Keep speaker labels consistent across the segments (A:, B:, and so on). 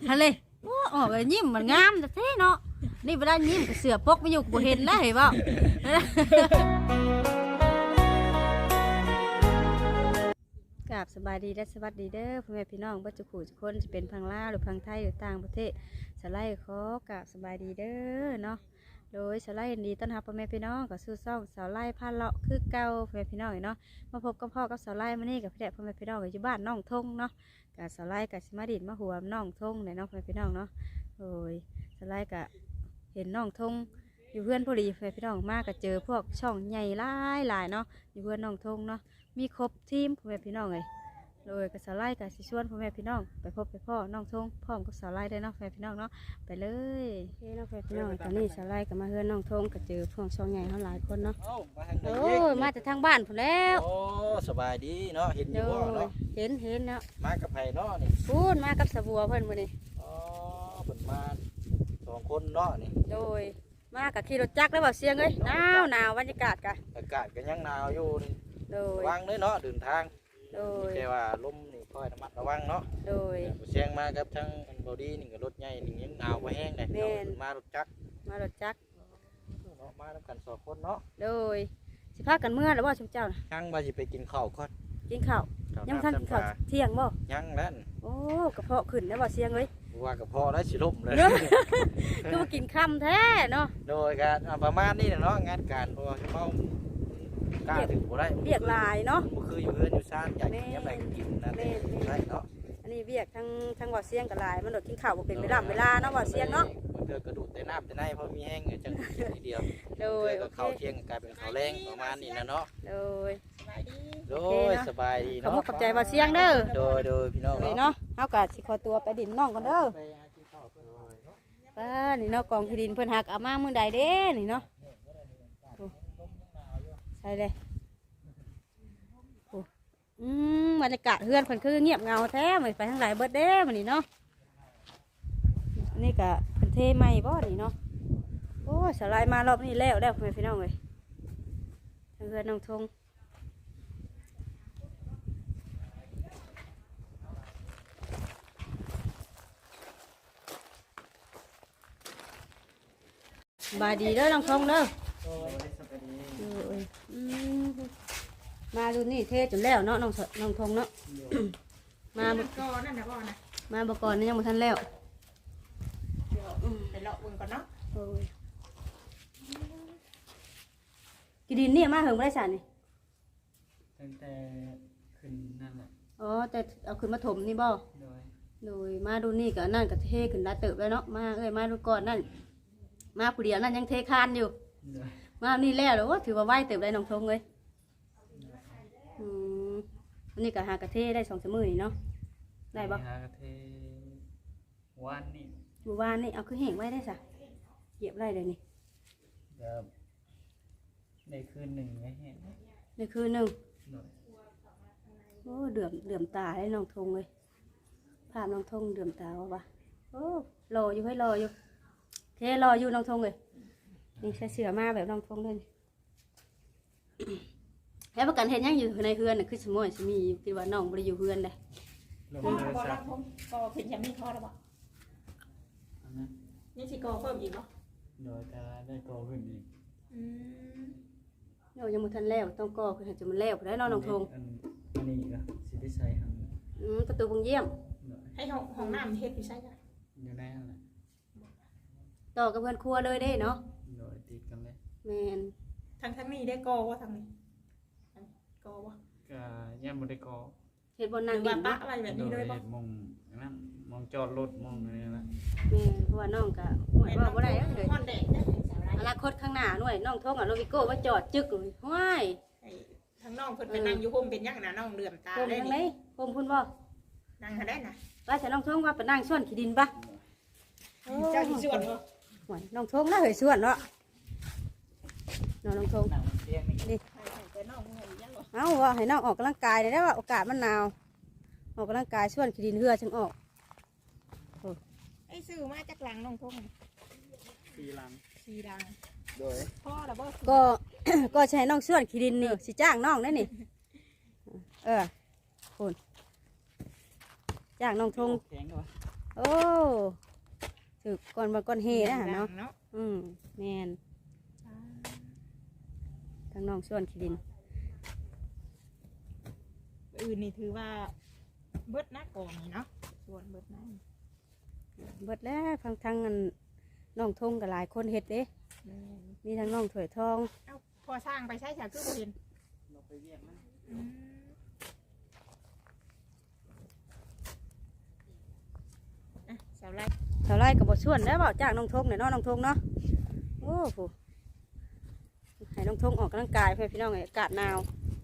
A: ทะเลโอ้ออกเลยยิ้มมันงามแต่เท่เนาะนี่เวลายิ้มเสือปกไม่อยู่บ่เห็นแล้วเห็นเปล่ากราบสบายดีและสวัสดีเด้อพ่อแม่พี่น้องบัจจุขู่ทุกคนจะเป็นพังลาวหรือพังไทยหรือต่างประเทศสไลด์ขอกราบสบายดีเด้อเนาะโดยสไลด์ดีต้อนรับพ่อแม่พี่น้องกับสู้ซ่องสาวไล่พาเลาะคือเก่าพ่อแม่พี่น้องเนาะมาพบกับพ่อกับสาวไล่มานี่กับพี่แดกพ่อแม่พี่น้องอยู่บ้านน้องทงเนาะกับสาวไล่กับสมาดินมาหัวน้องทงเนี่ยเนาะพ่อแม่พี่น้องเนาะโดยสไลด์กับเห็นน้องทงอยู่เพื่อนพอดีพ่อแม่พี่น้องมากกับเจอพวกช่องใหญ่หลายเนาะอยู่เพื่อนน้องทงเนาะมีครบทีมพ่อแม่พี่น้องเลยโดยกับสาวไล่กับสิชวนพ่อแม่พี่น้องไปพบไปพ่อน้องทงพร้อมกับสาวไล่ได้เนาะพ่อแม่พี่น้องเนาะไปเลยเฮ้น้องพ่อแม่พี่น้องตอนนี้สาวไล่กับมาเฮือนน้องทงกับเจอพวกช่องใหญ่เขาหลายคนเนาะโอ้ยมาจากทางบ้านผมแล้ว
B: โอ้สบายดีเนาะเห็นอยู่บ่เนาะ
A: เห็นเนาะ
B: มากับไผเนาะนี่
A: พูดมากับสบัวเพิ่นมื้อนี้
B: อ๋อเพิ่นมา2คนเนาะนี่
A: โดยมากับขี่รถจักรแล้วบ่เสียงเอ้ยหนาวบรรยากาศกะ
B: อากาศก็ยังหนาวอยู่นี่
A: โดย
B: ระวังเด้อเนาะเดินทาง
A: โดย
B: แต่ว่าลมนี่ค่อยระมัดระวังเนาะ
A: โดย
B: เสียงมากับทั้งบอดี้นี่ก็รถใหญ่นี่ยังหนาวบ่แห้งเลยเนาะมารถจักร
A: มารถจักร
B: เนาะมานํกัน2คนเนาะ
A: โดยสิพากันเมื่อแล้วบ่ชุมเจ้าน่ะ
B: ยังว่าสิไปกินข้าวก่อน
A: กินข้าวยังทันกินข้าวเที่ยงบ่
B: ยังแล้ว
A: โอ้กระเพาะขึ้นแล้วบ่เสียงเอ้ย
B: ว่ากระเพาะแล้วสิล่มเลย
A: ก็มากินค่ำแท้เนาะ
B: โดยการประมาณนี้เนาะงานการเพราะว่าเมากล้าถึงบ่ได้
A: เรียกลายเนาะ
B: บ่คืออยู่เฮือนอยู่ซ่านอยากกินยามใดก็กินนะได้เนาะ
A: อันนี้เวียกทั้งบ่เสียงกับลายมันโดดกินข้าวบ่เป็นเวลาเนาะบ่เสียงเนาะ
B: เดือกระดูดแต่น้ำแต่ในเพราะมีแห้งจังทีเดียว
A: โดย
B: ก็ข้าวเที่ยงกลายเป็นข้าวแรงประมาณนี้นะเนาะ
A: โดย
B: สบายดีเนาะ
A: ขอบใจบ่เสียงเด้อ
B: โดยพี่น้อง
A: เนาะเฮาก็สิขอตัวไปดินน้องก่อนเด้อป้านี่เนาะกองที่ดินเพิ่นหักเอามามื้อใดเด้นี่เนาะใช่เลยบรรยากาศเฮือนเพิ่นคือเงียบเงาแท้ไม่ไปทางไหนเบิดเด้มื้อนี้เนาะนี่ก็เพิ่นเทใหม่บ่นี่เนาะโอ้สลายมารอบนี้แล้วพ่อแม่พี่น้องเอ้ยทางเฮือนน้องทงบายดีเด้อน้องทงเด้อมาดูนี่เทจนแล้วเนาะน้องทงเนาะมาบก่อนนั่นนะบ่นะมาบก่อนนี่ยังบ่ทันแล้ว
C: ไปเลาะบุญก่อนเนาะ
A: กินดินนี่มาเหิงบ่ได้สานนี่
C: ตั้งแต่ขึ้นนั่นแหละ
A: อ๋อแต่เอาขึ้นมาถมนี่บ่โดยมาดูนี่ก็นั่นก็เทขึ้นได้เติบแล้วเนาะมามาดูก่อนนั่นมาผู้เดียวนั่นยังเทคานอยู่มานี่แล้วหรือว่าถือว่าไหวเติบได้น้องทงเลยวันนี้ก็หากระเทได้2-3 มื้อนี่เนาะได้บ่
C: หากระเทวานนี่
A: วานนี่เอาคือแห้งไว้ได้ซะเหยียบได้เลยนี่
C: ได้คืนหนึ่งไว้แห้ง
A: ได้คืนหนึ่งโอ้เดือมตาให้น้องทงเลยภาพน้องทงเดือมตาว่ะโอ้รออยู่ให้รออยู่เทรออยู่น้องทงเลยนี่ใส่เสื้อมาแบบน้องทงเลยแล้วประกันเห็นยังอยู่ในเฮือนน่ะคือสมอยสมีคิดว่าน้องบ่ได้อยู่เฮือนเลย
C: พ่อบอกรักผมก็เห็นยังไม่พอหรอบ่นี่สิกอเพิ่มอีกเนาะ
B: โดยจะได้กอขึ้นอีก
A: เรายังบ่ทันแล้วต้องกอคือจะมันแล้วได้น้องทง
C: อันนี้ก็สิได้ใช้หั่น
A: ประตูบุงเยี่ยม
C: ให้ห้องน้ำเฮ็ดอยู่ใช่จ้ะอยู่ในนั่นแหละ
A: ต่อกับเพื่อนครัวเลยได้เนาะ
C: โดยติดกันเลย
A: แมน
C: ทั้งนี้ได้กอว่าทางนี้กอว่าก็ยังบ่ได้กอ
A: เฮ็ดบนนางดิน
C: ปะอะไรแบบนี้เลยบ่มองนั่นมองจอดรถมองอะไรนั่น
A: แม่เพราะว่าน้องก็ห่วยว่าบ่ได้เลยอนาคตข้างหน้าหน่วยน้องท้องโรบิโก้ว่าจอดจึกเลยห้วย
C: ทั้งน้องเพิ่นเป็นนั่งอยู่ห่มเป็นยังน่ะน้องเลื่อมตา
A: ได้นี่ห่มพุ่นบ่
C: นั่งหาได้น่ะ
A: ว่าฉันน้องท้องว่าไปนั่งส่วนขี้ดินปะ
C: เจ้าที่ส่วน
A: ห่วยน้องท้องน่าเหยส่วนเนาะน้องท้องนี่เอาว่าให้น้องออกกำลังกายได้ว่าโอกาสมันหนาวออกกำลังกายส่วนขี้ดินเหือจึงออก
C: ไอ้ซื้อมาจากหลังน้องทง4 หลังโดยพ่อระเบิด
A: ก็ใช้น้องส่วนขี้ดินนี่สิจ้างน้องได้นี่คุณจ้างน้องทงโอ้ถือก่อนมาก่อนเฮนะเนาะ
C: เนาะ
A: แม่นทางน้องส่วนขี้ดิน
C: อื่นนี่ถือว่าเบิดนะกองนี่เนาะส่วนเบิดนะ
A: เบิดแล้วทางอันน้องทงกับหลายคนเฮ็ดเด้
C: แม่น
A: มีทางน้องถวยทอง
C: เอ้าพอสร้างไปใช้ฉากคือบ่เห็น
B: เราไปเรียกมัน
C: อืมอ่ะสาวไร่
A: เท่าไรกับบส่วนแล้วเปล่าจ้างน้องทงเนี่ยเนาะน้องทงเนาะโอ้โหให้น้องทงออกกำลังกายเพื่อพี่น้องไงอากาศหนาว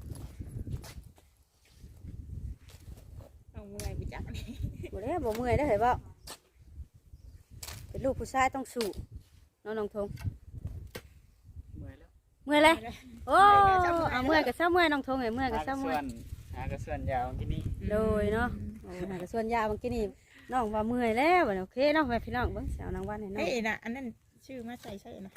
C: เอาเมื่อยไปจักนี่
A: บ่ได้บ่เมื่อยได้อเหรอเปล่าเป็นลูกผู้ชายต้องสู้เนาะน้องทง
B: เมื่อยแล้ว
A: เมื่อยเลยโอ้เอาเมื่อยกับเช้าเมื่อยน้องทงไงเมื่อยกับเช้าเมื่อย
B: หากระส่วนยาวที่นี่
A: โดยเนาะโอ้หากส่วนยาบางทีนี่น้องว่าเมื่อยแล้วบัดนี้โอเคเนาะแม่พี่น้องเบิ่งสาวนางวันให้น้อ
C: เฮ้
A: ง
C: ยน่ะอันนั้นชื่อมาใส่นะ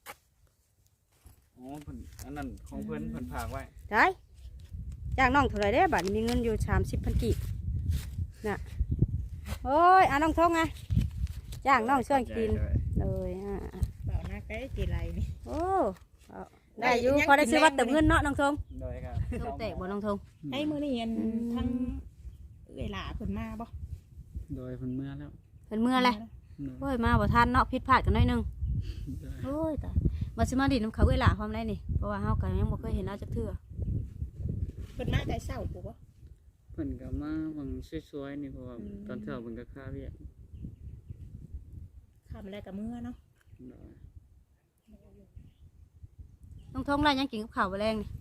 B: อ๋อเพิ่นอันนั้นของเพิ่นฝากไว้
A: ได้จ้างน้องเท่าไหรได้บัดนี้มีเงินอยู่30,000กีบน่ะโอ้ยน้องทงไงจ้างน้องช่วยกินเลย
C: เปล่านักได้กี่ไรนี่
A: โอ้เอาได้อยู่พอได้ซื้อวัดเติมเงินเนาะน้องทง
B: โดยครับ
A: ทงแตกบ่น้องทง
C: ไอ้มือนี่ยันทั้งเวลาเพิ่นมาบ่
B: โดยเพิ่นเมื่อแล้ว
A: เป็นเมื่อไรโอ้ยมาบ่ทันเนาะผิดพลาดกันหน่อยหนึง
B: โดย
A: โอ้ยแต่มาสิมาดินน้ำเขาเวลาความไรนี่เพราะว่าเฮาก็ยังบ่เคยเห็นเราจักเทื่อ
C: เพิ่นมาแต่เช้าปุ๊บบ่
D: เพิ่นก็มาบางสวยๆนี่เพราะว่าตอนเช้าเพิ่นก็ค้าเวียก
C: คำแรกกับมือเนาะ
D: เนาะ
A: น้องทงได้ยังกินกับข้าวบ่แรงนี่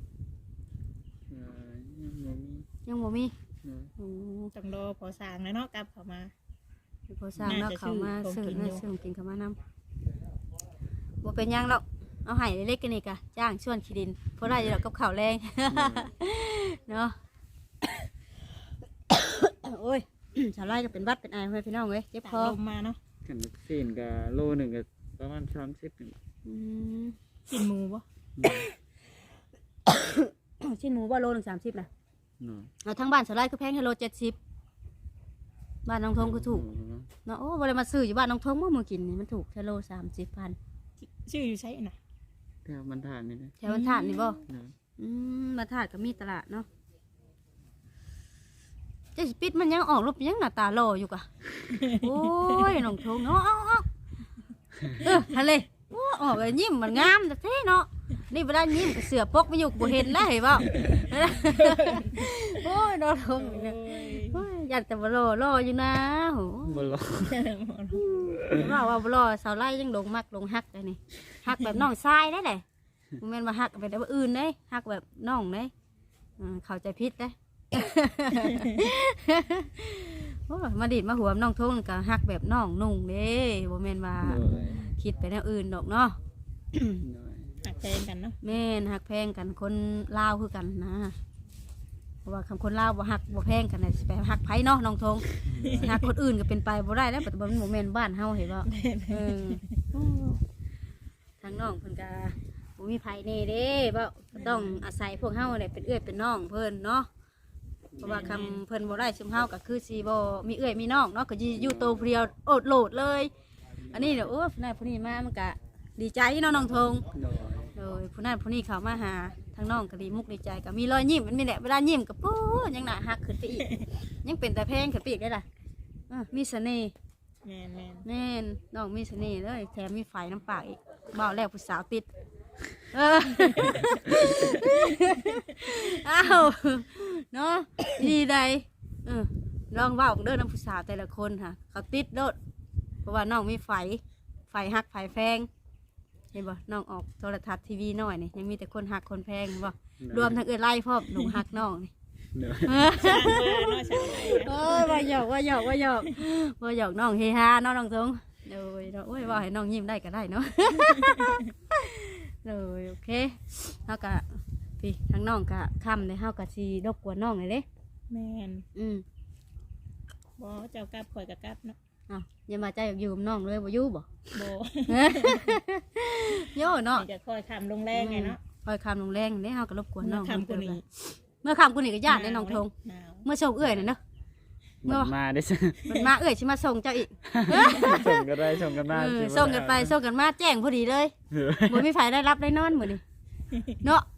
D: ยังบ่มี
A: ยังบ่มี
D: เนาะ
A: อืม
C: ต้องรอพอสร้างแล้วเนาะกลับเข้ามา
A: พอสร้างแล้ว
C: น่าจะ
A: เขามา
C: ซื้
A: ซื้
C: อ
A: อ
C: ของกินอยู่
A: ซื้อกินเขามานำบ่เป็นหยังหรอกเอาให้เล็กๆกันนี่กะจ้างชวนขี้ดินเพราะได้อยู่ดอกกับข้าวแรง เนาะ โอ้ย ชาวไร่ก็เป็นวัดเป็นไอเพื่อนพี่น้องเว้ยเจ็บ
C: จาก
A: คอ
C: ลมมาเนาะ
D: กันวัคซีนก็โลหนึงก็ประมาณ30นี่
A: อืม
C: กินหมูบ่
A: ชิ้นหมูบ่โล130นะ
D: เนาะ
A: เอาทั้งบ้านชาวไร่คือแพงให้โล70บ้านน้องทงก็ถูก
D: เนาะ
A: เนาะโอ้บ่ได้มาซื้ออยู่บ้านน้องทงเมื่อมือกินนี่มันถูกแค่โล30,000
C: ชื่ออยู่ใช่น่ะ
D: แถวมันทานนี่นะ
A: แถวบรรทัดนี่บ่
D: เนาะ
A: บรรทัดก็มีตลาดเนาะเจะปิดมันยังออกรูปยังหน้าตาหล่ออยู่กะ โอ้ยน้องทงเนาะเอาทะเลโอ้ออกไปยิ้มมันงามแต่เท่เนาะนี่เวลายิ้มกับเสือปกไม่อยู่บ่เห็นแล้วเห็นบ่ โอ้ยน้องทงนี่นะโอ้ยอยากแต่บ่หล่ออยู่นะโห
D: บ่รอ
A: ว่าบ่หล่อสาวไร่ยังลงมักลงฮักได้นี่ฮักแบบน้องทรายได้แหละบ่แม่นว่าฮักแบบอื่นเด้ฮักแบบน้องเด้เข้าใจผิดเด้ โอ้ยมาดิดมาหัวน้องทงก็ฮักแบบน้องนุ่งเด้บ่แม่นว่า
D: โดย
A: คิดไปแนวอื่นดอกเนาะ
D: โดย
C: หักแพงกันเนาะ
A: แม่นฮักแพงกันคนลาวคือกันนะเพราะว่าคำคนลาวบ่ฮักบ่แพงกันน่ะสิไปฮักไผเนาะน้องทงสิฮักคนอื่นก็เป็นไปบ่ได้แล้วปัจจุบันมันบ่แม่นบ้านเฮาเห็นบ่เออโอ้ทางน้องเพิ่นก็บ่มีไผแน่เด้บ่ก็ต้องอาศัยพวกเฮาแหละเป็นเอื้อยเป็นน้องเพิ่นเนาะเพราะว่าคำเพิ่นบ่ได้ซุมเฮาก็คือสิบ่มีเอื้อยมีน้องเนาะก็สิอยู่โตวผู้เดียวโอดโลดเลย อันนี้เดี๋ยวโอ้ผู้นั้นผู้นี้มามันก็ดีใจเนาะน้องทง
D: โดย
A: โดยผู้นั้นผู้นี้เขามาหาทางน้องก็ดีมุกดีใจก็มีรอยยิ้มมันมีแหละเวลายิ้มก็ปู๊ยังหน้าหักขึ้นไปอีก ยังเป็นแต่แพงขึ้นไปอีกได้ล่ะมีเสน่ห์
C: แม่น
A: แน่นน้องมีเสน่ห์เลยแถมมีไฟน้ำปากอีกเบาแล้วผู้สาวติดอ้าวเนาะดีใดลองเบาเด้อน้ำผู้สาวแต่ละคนค่ะเขาติดโดดเพราะว่าน้องมีไฟหักไฟแพงเห็นบ่น้องออกโทรทัศน์ทีวีหน่อยนี่ยังมีแต่คนหักคนแพงบ่รวมทั้งไล่พ่อหนุ่มหักน้องนี่
D: โดย
C: ๆสร้างมาเนาะสาวไร่
A: เอ้ยว่าหยอกน้องเฮฮาเนาะน้องทงเลยเนาะโอ้ยว่าให้น้องยิ้มได้ก็ได้เนาะ เลยโอเคเฮาก็พี่ทั้งน้องก็ค่ำเลยเฮาก็สิรบกวนน้องเลยเด้
C: แม่น
A: อืม
C: บ่เจ้ากลับข่อยก็กลับเนาะ
A: อ้าวอย่ามาใจอยากอยู่กับน้องเลยบ่อยู่บ่
C: บ่
A: โย่เนาะ
C: จะคอยคำลงแรงไงเนาะ
A: คอยค่ำลงแรงเด้เฮาก็รบกวนน้อง
C: คำกูนี่
A: เมื่อค่ำกูนี่ก็ญาติได้น้องทง
C: หนาว
A: เมื่อโชคเอื้อยน่ะเนาะ
D: มันมาได้ซะ
A: มันมาสิมาส่งเจ้าอีก
D: ส่งก็ได้ส่งกันมา
A: ส่งกันไปส่งกันมาแจ้งพอดีเลยบ่มีไผได้รับได้นอนมื้อนี้เนาะ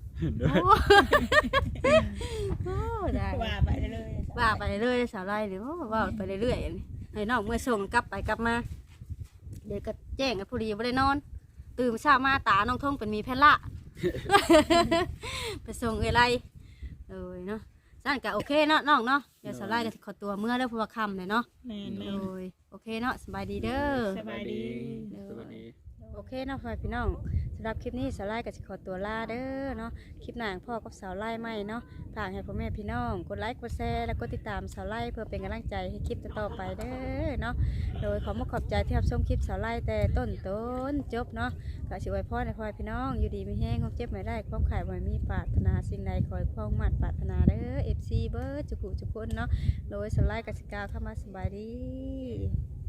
A: โอ้ได้
C: ว่าไปเลย
A: ว่าไปเรื่อยๆสาวไร่หรือว่าไปเรื่อยๆให้น้องเมื่อส่งกลับไปกลับมาเดี๋ยวก็แจ้งกันพอดีบ่ได้นอนตื่นเช้ามาตาน้องทงเป็นมีแพนละ ไปส่งอะไรเนาะสั่นก็โอเคเนาะน้องเนาะเดี๋ยวสาวไร่ก็สิขอตัวเมื่อแล้วเพราะว่าค่ำเลยเนาะ
C: แม่น
A: โดยโอเคเนาะสบายดีเด้อ
C: สบายดี
D: สวัสดี
A: โอเคเนาะพี่น้องสำหรับคลิปนี้สาวไล่ก็จะขอตัวลาเด้อเนาะคลิปหน้าพ่อกับสาวไล่ใหม่เนาะฝากให้พ่อแม่พี่น้องกดไลค์กดแชร์แล้วก็ติดตามสาวไล่เพื่อเป็นกำลังใจให้คลิปต่อๆไปเด้อเนาะโดยขอบใจที่รับชมคลิปสาวไล่แต่ต้นจบเนาะก็สิไว้พ่อในพ่อพี่น้องอยู่ดีมีแห้งความเจ็บไม่ได้ความขายบ่มีปรารถนาสิ่งใดขอให้ความมั่นปรารถนาเด้อ FC เบิร์ดจุกุจุกคนเนาะโดยสาวไล่กสิกล่าวเข้ามาสบายดี